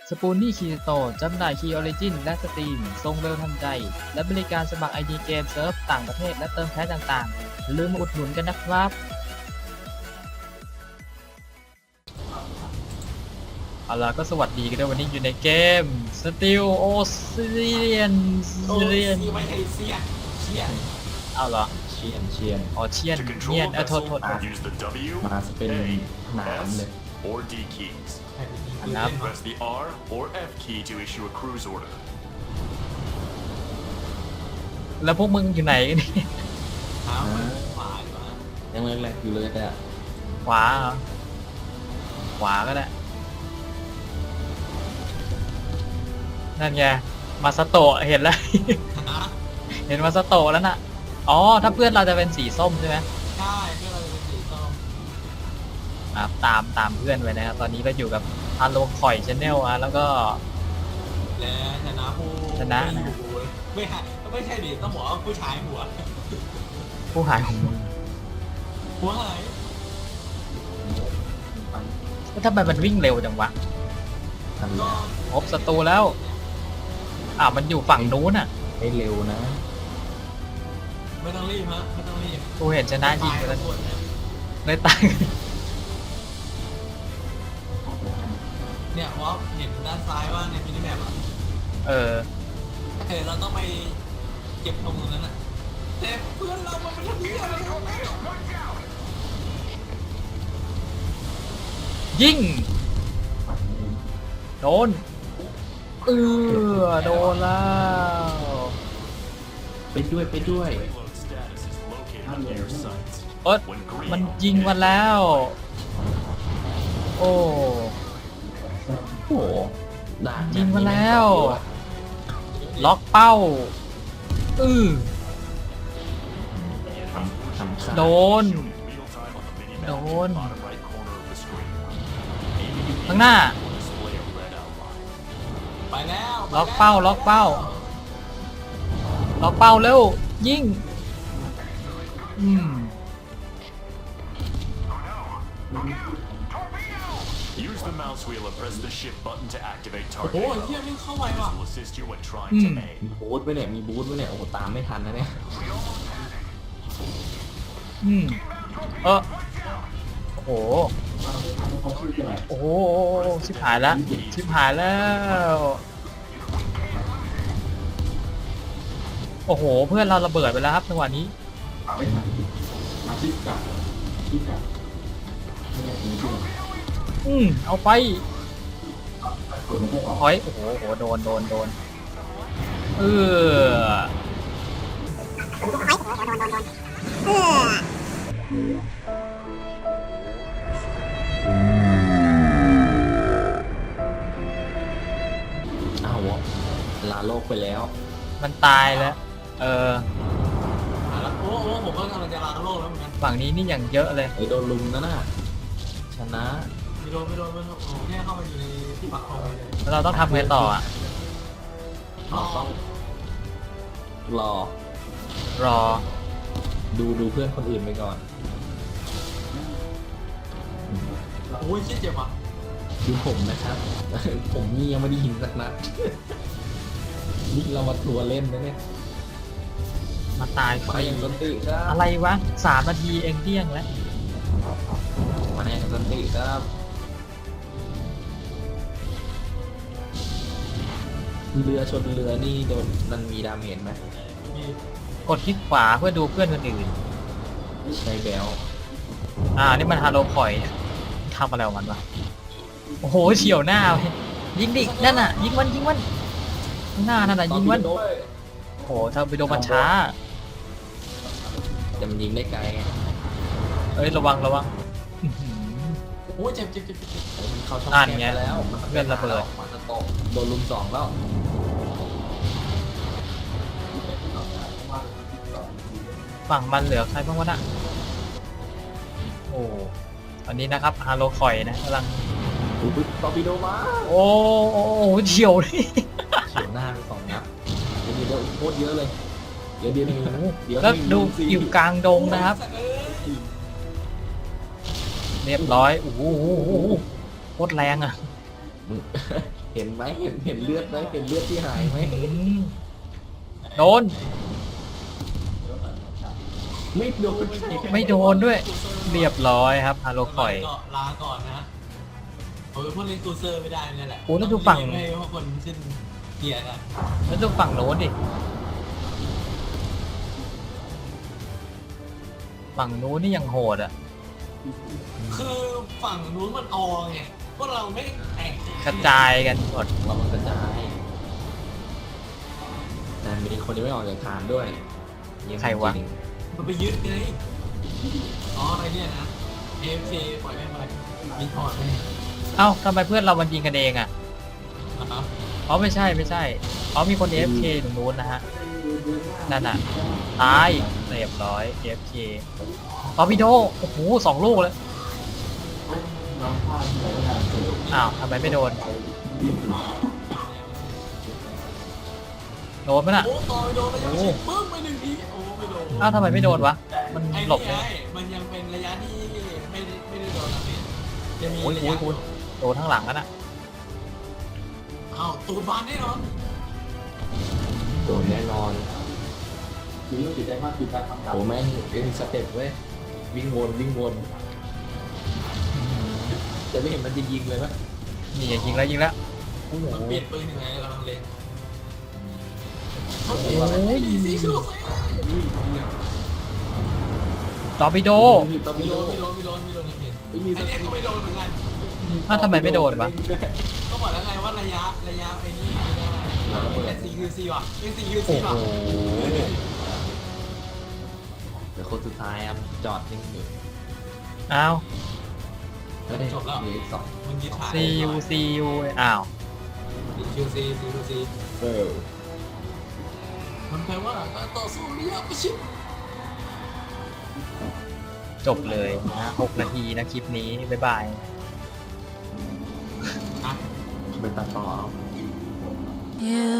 สปูนนี่คีโตจำหน่ายคีย์ออริจินและสตรีมส่งเร็วทันใจและบริการสมัคร ID เกมเซิร์ฟต่างประเทศและเติมแพ็คต่างๆอย่าลืมมาอุดหนุนกันนะครับเอาล่ะก็สวัสดีกันด้วยวันนี้อยู่ในเกม Steel Ocean ไม่ใช่เซียนเชียนเอาเหรอเชียนอ๋อเชียน To เนีย control น a โทษ vessel, use the W, มาเป็น A, หนามเลย S, or D keys. ครับ Press the R or F key to issue a cruise order. แล้วพวกมึงอยู่ไหนกันเนี่ยเท้ามันขวาดีกว่ายังเล็กๆอยู่เลยแต่ขวาเหรอขวาก็ได้นั่นไงมาสโตะเห็นแล้ว เห็นมาสโตะแล้วน่ะอ๋อถ้าเพื่อนเราจะเป็นสีส้มใช่ไหมใช่เพื่อนเราจะเป็นสีส้มครับตามเพื่อนไว้นะครับตอนนี้เราอยู่กับฮาโลคอยชาแนลแล้วก็และชนะผู้ชนะไม่นะอยู่ไม่ใช่ดิต้องบอกว่าผู้ชายหัวผู้หายหัวหัวหายแล้วทำไมมันวิ่งเร็วจังวะทำก็พบศัตรูแล้วมันอยู่ฝั่งนู้นอ่ะให้เร็วนะไม่ต้องรีบฮะไม่ต้องรีบกูเห็นชนะยิงไปแล้วส่วนเนี่ยเลยตายเนี่ยว่าเห็นด้านซ้ายว่าในมินิแมปอ่ะเออเราต้องไปเก็บตรงนั้นอ่ะแต่เพื่อนเรามันไม่ทำที่อะไรของแม่ยิงโดนโดนแล้วไปด้วย Payload status is located under your sights. เอ้ย When green, มันยิงมาแล้ว โอ้โอ้โหด่านยิงมาแล้ว ล็อกเป้าทำค่าโดน real time on the minimap in the Đồn. bottom right corner of the screen. ข้างหน้า Will display a red outline. ไปแล้วล็อกเป้าล็อกเป้าเร็วยิง Use the mouse wheel and press the shift button to activate โอ้โห target. เฮียไม่เข้าไปว่ะ This will assist you when trying to aim. มีบูธไว้เนี่ยโอ้โหตามไม่ทันนะเนี่ยโอ้โหโอ้โหชิบหายแล้วโอ้โหเพื่อนเราระเบิดไปแล้วครับจังหวะนี้เอาไปถอยโอ้โหโดนอ้าวลาโลกไปแล้วมันตายแล้วโอ้ผมก็กำลังจะล้างโลกแล้วเหมือนกันฝั่งนี้นี่อย่างเยอะเลยไอ้โดนลุมนะน่ะชนะไม่โดนโอ้แค่เข้ามาอยู่ในที่ปักคองเลยแล้วเราต้องทำไงต่ออ่ะเราต้องรอรอดูเพื่อนคนอื่นไปก่อนโอ้ยเจ็บอ่ะดูผมนะครับ ผมนี่ยังไม่ได้ยิงสักนัด นี่เรามาทัวร์เล่นนะเนี่ยมาตายฟมารีอย่างสันติครับอะไรวะ3 นาทีเองเที่ยงแล้วมาอย่างสันติครับ เรือชนเรือนี่โดนมันมีดาเมจไหมมีกดคลิกขวาเพื่อดูเพื่อนคนอื่นใช้แบลนี่มันฮาโลคอยเนี่ยทำอะไรของมันวะโอ้โหเฉียวหน้าเลยยิงดินั่นน่ะยิงมันข้างหน้านั่นน่ะยิงมันโอ้โหทำไปโดนมันช้าแต่มันยิงได้ไกลไงเอ้ยระวังอื้อหือโอ้ยเจ็บมันเข้าช่องนั่นแคบไงไปแล้วมันเพื่อนระเบิดมันจะตกโดนลุม2แล้วฝั่งมันเหลือใครบ้างวะน่ะโอ้ตอนนี้นะครับฮาโลคอยนะกำลังอุ๊ยตอร์ปิโดมาโอ้เฉียวเลยเฉียวหน้าไป2 นัดเดี๋ยวโคตรเยอะเลย เดี๋ยวเดี๋ยวเดี๋ยวแล้วดูสิอยู่กลางดงนะครับ เรียบร้อยโอ้โหโคตรแรงอ่ะมึงเห็นไหมเห็นเลือดไหมเห็นเลือดที่หายไหมโดนไม่โดนไม่โดนด้วย เรียบร้อยครับฮาโลคอยก็ลาก่อนนะผมเป็นพวกเล่นกูเซอร์ไม่ได้เนี่ยแหละโอ้แล้วดูฝั่งไม่ว่าคนขึ้นเกียร์นะแล้วดูฝั่งโน้นดิ ฝั่งนู้นนี่ยังโหดอ่ะคือฝั่งนู้นมันออไงพวกเราไม่แข่งกระจายกันหมดเรามันกระจายแต่มีคนที่ไม่ออกจากฐานด้วยเยี่ยมใครวะจงมันไปยึดไงอ๋ออะไรเนี่ยนะ AFK ปล่อยแม่งไปรีพอร์ตแม่งเอ้าทำไมเพื่อนเรามันยิงกันเองอ่ะนะครับอ๋อไม่ใช่ไม่ใช่อ๋อมีคน AFK ตรงนู้นนะฮะ นั่นน่ะ ตายเรียบร้อย AFK ตอร์ปิโดโอ้โห2 ลูกเลย อ้าวทำไมไม่โดน โดนไหมน่ะโอ้ต่อยโดนระยะชิดปึ้งไป1 ทีโอ้ไม่โดนอ้าวทำไมไม่โดนวะ มันไอ้หลนี่บไงเลยมันยังเป็นระยะที่ไม่ได้โดนอะไรจะมีโอ้ยระโอ้ยะยโอ้ยโดนข้างหลังนั่นน่ะอ้าวตูดบานแน่นอนโดนแน่นอนโอ้แม่งเป็นสเต็ปเว้ยวิ่งวนจะไม่เห็นมันจะยิงเลยปะนี่ยิงแล้วยิงแล้วโอ้โหมันเปลี่ยนปืนยังไงเราเล่นโอ้ยสีชูตอร์ปิโดต้องไม่มีโดโดนนไม่โดนไม่โดนไม่โดนไม่โดนไม่มีไอ้เนี่ยก็ไม่โดนเหมือนกันอ้าวทำไมไม่โดนวะก็บอกแล้วไงว่าระยะไอ้นี่ไม่ได้เป็น 4QC ว่ะเป็น 4QC โอ้โหว่ะเดี๋ยวคนสุดท้ายครับจอดนิ่งอยู่อ้าวเฮ้ยจบแล้วเหลืออีก2 มันยึดฐาน CU อ้าว 4QC เออมันแปลว่าการต่อสู้ระยะประชิดจบเลยนะ6 นาทีนะคลิปนี้ บ๊ายบายอ่ะเป็นตัดต่อเอา You